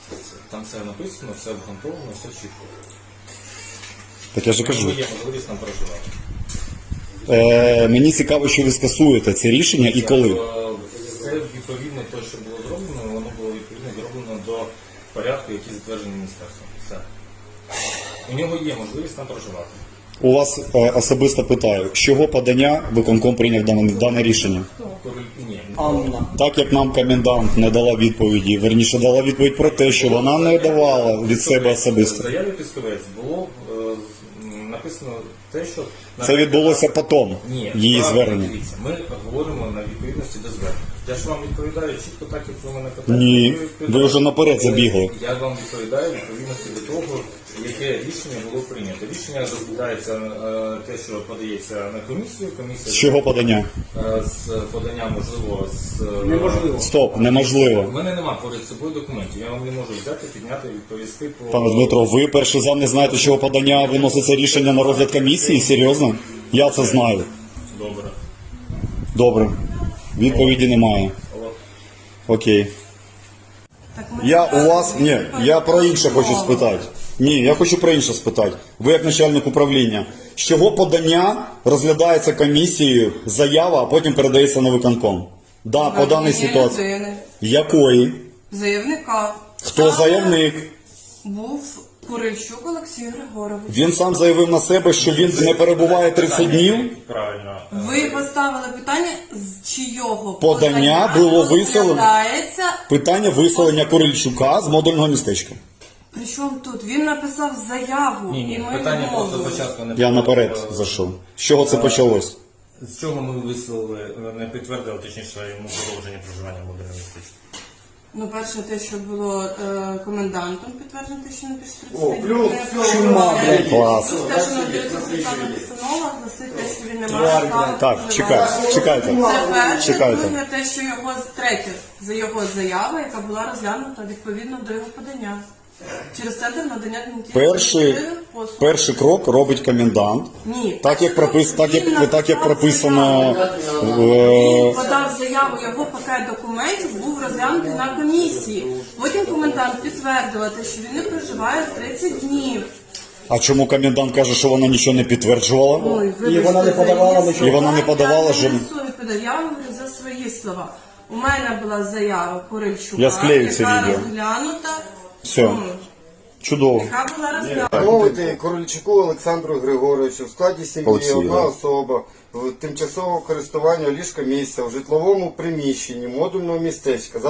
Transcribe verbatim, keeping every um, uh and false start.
Там все написано, все обґрунтовано, все чітко. Так я ж кажу. Є можливість нам проживати. Е, мені цікаво, що ви скасуєте це рішення і коли. Це відповідно те, що було зроблено, воно було відповідно зроблено до порядку, який затверджений міністерством. Все. У нього є можливість там проживати. У вас е, особисто питаю, з чого подання виконком прийняв дане, дане рішення? Ні. Анна. Так як нам комендант не дала відповіді, верніше дала відповідь про те, що вона не давала від себе В особисто. заяві Пісковець було е, написано те, що... Це відбулося потім, Ні, її правильно, звернення. дивіться, ми говоримо на відповідності до звернення. Я ж вам відповідаю чітко так, як ви мене питаєте. Ні, відповідаєте. ви вже наперед забігли. Я вам відповідаю відповідності до того, яке рішення було прийнято. Рішення розглядається е, те, що подається на комісію. Комісія З чого подання? е, з подання, можливо, з... е, Неможливо. Стоп, неможливо. У мене нема поряд собою документів. Я вам не можу взяти, підняти, відповісти по... Пане Дмитро, ви перший зам не знаєте, з чого подання виноситься рішення на розгляд комісії? Серйозно? Я це знаю. Добре. Добре. Відповіді немає. Алло. Окей. Так ми Я зараз у вас, ні, я про інше хочу відповідаємо. спитати. Ні, я хочу про інше спитати. Ви як начальник управління, з чого подання розглядається комісією, заява, а потім передається на виконком? Да, по даній Однієї ситуації. людини. Якої? Заявника. Хто Саме заявник? Був Курильчук Олексій Григорович. Він сам заявив на себе, що він не перебуває тридцять днів. Правильно. Ви поставили питання, з чийого Подання було виселено. розглядається. Питання виселення Курильчука з модульного містечка. Причому тут? Він написав заяву. Ні, і ні, ми питання просто відмовились. спочатку не Я було. наперед зайшов. З чого це почалось? З чого ми висловили, не підтвердили, точніше, йому продовження проживання в модульному містечку? Ну, перше, те, що було е, комендантом підтверджено, те, що не пише О, тридцять плюс, днів. чума, блядь. Клас. Плюс те, що надається спеціальна постанова, гласить те, що він не має Тварь, права блядь. Так, проживати. чекайте, чекайте. Це перше, Чекайте. друге, те, що його третє, за його заява, яка була розглянута відповідно до його подання. Через центр надання Перший, адміністративних послуг. перший крок робить комендант. Ні. Так як пропис, так як Він так як написав прописано заяву. в Він подав заяву, його пакет документів був розглянутий на комісії. Потім комендант підтвердила те, що він не проживає тридцять днів. а чому комендант каже, що вона нічого не підтверджувала? Ой, І вона не вибачте, подавала за її нічого. І вона не слова. подавала Я жодних- не несу відповідь. Я вам говорю за свої слова. У мене була заява Курильчука, Я склею це яка відео. розглянута. Все. ну, Чудово. Яка була розглянута. Мовити Корольчуку Олександру Григоровичу в складі сім'ї Олексію, одна да. особа в тимчасового користування ліжка місця в житловому приміщенні модульного містечка.